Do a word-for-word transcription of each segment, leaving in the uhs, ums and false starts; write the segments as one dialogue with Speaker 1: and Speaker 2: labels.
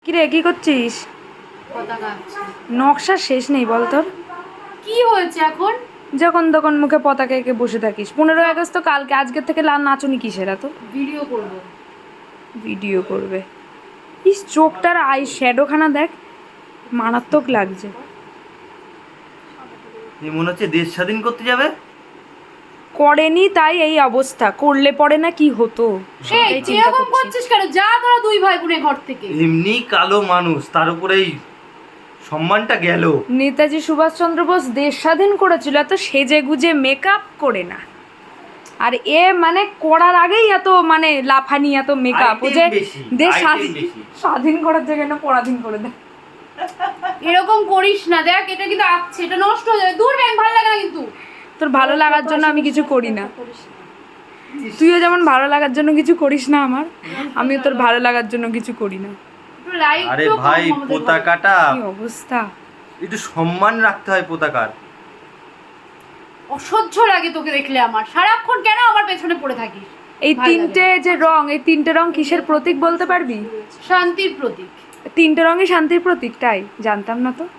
Speaker 1: কিরে কি করছিস?
Speaker 2: পতাকা
Speaker 1: নকশা শেষ নেই বল তোর।
Speaker 2: কি হয়েছে এখন?
Speaker 1: যখন তখন মুখে পতাকা এঁকে বসে থাকিস। পনেরোই আগস্ট তো কালকে, আজকের থেকে লাল নাচুনি কিসের এত?
Speaker 2: ভিডিও করব।
Speaker 1: ভিডিও করবে? ইস চোখটার আই শ্যাডোখানা দেখ, মারাত্মক লাগছে।
Speaker 3: এই মনে হচ্ছে দেশ স্বাধীন করতে যাবে।
Speaker 1: করেনি তাই এই অবস্থা, করলে পরে না কি হতো
Speaker 2: সেই
Speaker 1: সেটাই চিন্তা
Speaker 2: এরকম
Speaker 1: করছি।
Speaker 2: করছিস কেন? যা তোরা দুই ভাই বোনে ঘর থেকে।
Speaker 3: এমনি কালো মানুষ, তার উপরে এই সম্মানটা গেল।
Speaker 1: নেতাজি সুভাষচন্দ্র বোস দেশ স্বাধীন করেছিল এত সেজে গুজে মেকআপ করে না। আর এ মানে করার আগেই এত মানে লাফানি, এত মেকআপ, ও যে
Speaker 3: Item বেশি,
Speaker 1: দেশ
Speaker 3: item
Speaker 1: স্বাধীন
Speaker 3: বেশি।
Speaker 1: স্বাধীন করার জায়গায় না পরাধীন করে দেয়।
Speaker 2: এরকম করিস না, দেখ এটা কিন্তু আছে, এটা নষ্ট হয়ে যাবে। দূর ব্যাংক ভালো লাগে না কিন্তু।
Speaker 1: তোর ভালো লাগার জন্য আমি কিছু করি না, তুইও যেমন ভালো লাগার জন্য কিছু করিস না আমার, আমিও তোর ভালো লাগার জন্য কিছু করি না।
Speaker 2: একটু লাইক
Speaker 3: আরে ভাই পতাকাটা
Speaker 1: কি অবস্থা!
Speaker 3: একটু সম্মান রাখতে হয় পতাকার।
Speaker 2: অসহ্য লাগে তোকে দেখলে আমার। সারাক্ষণ কেন আমার পেছনে পড়ে থাকিস?
Speaker 1: এই
Speaker 2: ভাল
Speaker 1: তিনটে
Speaker 2: লাগে।
Speaker 1: যে রং, এই তিনটে রং কিসের প্রতীক বলতে পারবি?
Speaker 2: শান্তির প্রতীক।
Speaker 1: তিনটে রঙই শান্তির প্রতীক, তাই জানতাম না তো।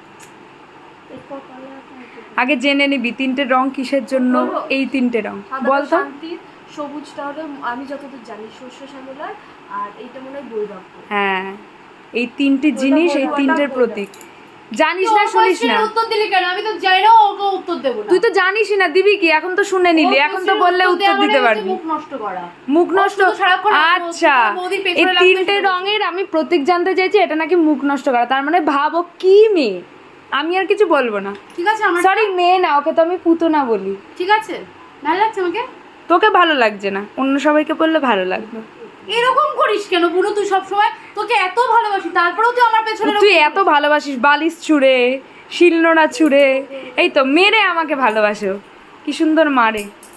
Speaker 1: আগে জেনে নিবি তিনটে রং কিসের জন্য, এই তিনটে রং বল তো।
Speaker 4: শান্তির, সবুজটা হলো আমি যতদূর জানি শস্য শ্যামলার, আর এইটা মনে হয় বৈরাগ্য।
Speaker 1: হ্যাঁ, এই তিনটে জিনিস, এই তিনটের প্রতীক। জানিস না,
Speaker 2: তুই
Speaker 1: শুনিস না?
Speaker 2: ওর উত্তর দিলি কেন? আমি তো জানি না, ওকে উত্তর দেব না।
Speaker 1: তুই তো জানিসই না, দিবি কি? এখন তো শুনে নিলি,
Speaker 2: ওর
Speaker 1: এখন তো
Speaker 2: প্রশ্নের
Speaker 1: বললে উত্তর
Speaker 2: দেওয়া
Speaker 1: দিতে
Speaker 2: মানে হচ্ছে
Speaker 1: পারবি।
Speaker 2: মুখ নষ্ট করা।
Speaker 1: মুখ
Speaker 2: ও
Speaker 1: নষ্ট?
Speaker 2: শুধু সারাক্ষণ আমার
Speaker 1: আচ্ছা,
Speaker 2: বৌদির পেছনে
Speaker 1: এই
Speaker 2: লাগতে
Speaker 1: তিনটে
Speaker 2: শুরু করেছে।
Speaker 1: রঙের আমি প্রতীক জানতে চাইছি, এটা নাকি মুখ নষ্ট করা। তার মানে ভাবো কি মেয়ে। আমি আর কিছু বলবো না।
Speaker 2: ঠিক আছে আমার
Speaker 1: সরি, মেয়ে না, ওকে তো আমি পুতনা বলি।
Speaker 2: ঠিক আছে, ভালো লাগছে আমাকে।
Speaker 1: তোকে ভালো লাগছে না, অন্য সবাইকে বললে ভালো লাগবে।
Speaker 2: এরকম করিস কেন বুনু? তুই সব সময়, তোকে এত ভালোবাসি, তারপরেও তুই আমার পেছনে
Speaker 1: তুই এত ভালোবাসিস, বালিশ ছুঁড়ে, শিলনোড়া ছুঁড়ে, এই তো মেরে আমাকে ভালোবাসো। কি সুন্দর মারে।